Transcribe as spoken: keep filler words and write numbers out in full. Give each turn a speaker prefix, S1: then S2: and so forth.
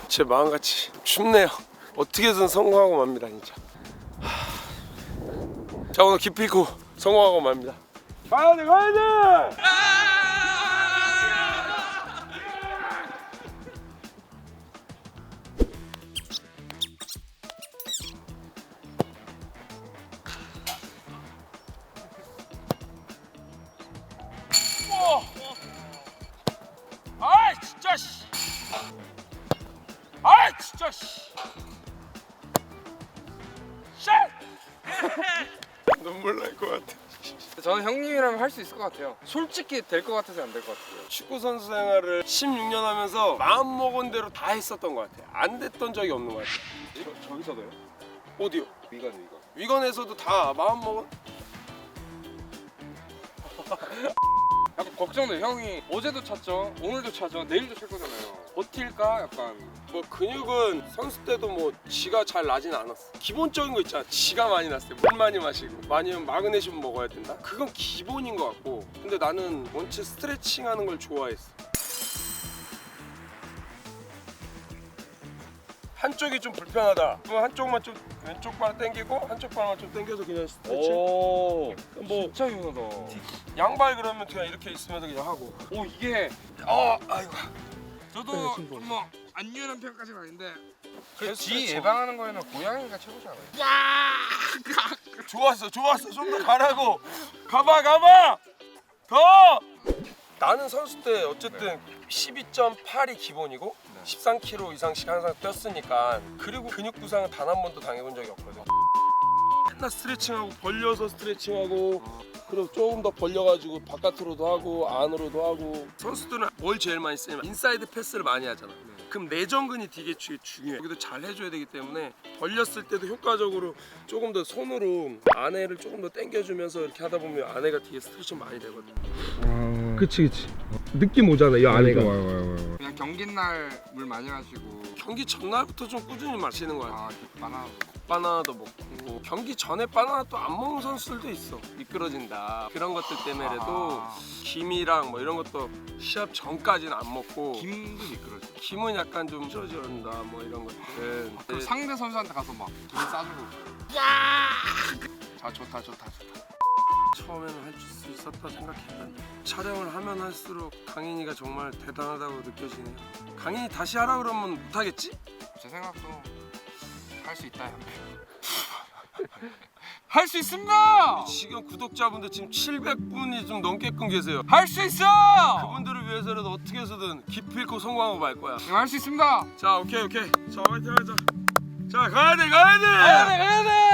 S1: 제 마음같이 춥네요. 어떻게든 성공하고 맙니다 진짜. 하... 자 오늘 기필코 성공하고 맙니다. 가야돼 가야돼. 아이 진짜 씨. 아이 진짜 씨. 쉣. 눈물 날 것 같아.
S2: 저는 형님이라면 할 수 있을 것 같아요. 솔직히 될 것 같아서 안 될 것 같아요.
S1: 축구 선수 생활을 십육 년 하면서 마음 먹은 대로 다 했었던 것 같아. 안 됐던 적이 없는 것 같아.
S2: 저, 저기서도요?
S1: 어디요?
S2: 위건 위건.
S1: 위건에서도 다 마음 먹은.
S2: 약간 걱정돼. 형이 어제도 찼죠, 오늘도 차죠, 내일도 찰 거잖아요. 버틸까? 약간.
S1: 뭐 근육은 선수 때도 뭐 지가 잘 나진 않았어. 기본적인 거 있잖아. 지가 많이 났을 때 물 많이 마시고 많이면 마그네슘 먹어야 된다. 그건 기본인 것 같고. 근데 나는 원체 스트레칭하는 걸 좋아했어. 한쪽이 좀 불편하다. 그럼 한쪽만 좀 왼쪽 발 당기고 한쪽 발만 좀 당겨서 그냥 스트레칭.
S2: 오,
S1: 뭐
S2: 진짜 유하다.
S1: 양발 그러면 그냥 이렇게 있으면서 그냥 하고.
S2: 오, 이게
S1: 어, 아이고.
S2: 저도 좀뭐안 유연한 편까지는 아닌데
S1: 계속
S2: 쥐
S1: 스트레칭.
S2: 예방하는 거에는 고양이가 최고지 않아요?
S1: 좋았어, 좋았어. 좀 더 가라고. 가봐, 가봐. 더. 나는 선수 때 어쨌든 십이 점 팔이 기본이고
S2: 네.
S1: 십삼 킬로그램 이상씩 항상 뛰었으니까. 그리고 근육 부상은 단 한 번도 당해본 적이 없거든. 맨날 스트레칭하고 벌려서 스트레칭하고 그리고 조금 더 벌려가지고 바깥으로도 하고 안으로도 하고. 선수들은 뭘 제일 많이 쓰냐면 인사이드 패스를 많이 하잖아. 그럼 내전근이 되게 주- 중요해. 여기도 잘 해줘야 되기 때문에 벌렸을 때도 효과적으로 조금 더 손으로 안에를 조금 더 당겨주면서 이렇게 하다 보면 안에가 뒤에 스트레칭 많이 되거든. 그치 그치. 느낌 오잖아 이 안에가.
S2: 그냥 경기 날 물 많이 마시고.
S1: 경기 전날부터 좀 꾸준히 마시는 거야.
S2: 아, 바나나.
S1: 바나나도 먹고 경기 전에 바나나 또 안 먹는 선수들도 있어. 미끄러진다 그런 것들 때문에라도
S2: 아,
S1: 김이랑 뭐 이런 것도 시합 전까지는 안 먹고.
S2: 김도 미끄러져.
S1: 김은 약간 좀 쪄져온다 뭐 이런 것들은.
S2: 그럼 상대 선수한테 가서 막 김 싸주고. 자, 좋다 좋다 좋다.
S1: 처음에는 할 수 있었다 생각했는데 촬영을 하면 할수록 강인이가 정말 대단하다고 느껴지네요. 강인이 다시 하라 그러면 못하겠지?
S2: 제 생각도 할 수 있다. 할 수 있습니다.
S1: 지금 구독자분들 지금 칠백 분이 좀 넘게끔 계세요.
S2: 할 수 있어.
S1: 그분들을 위해서라도 어떻게 해서든 기필코 성공하고 말 거야.
S2: 할 수 있습니다.
S1: 자 오케이 오케이. 자 화이팅 하자. 자 가야 돼 가야 돼.
S2: 가야 돼 가야 돼.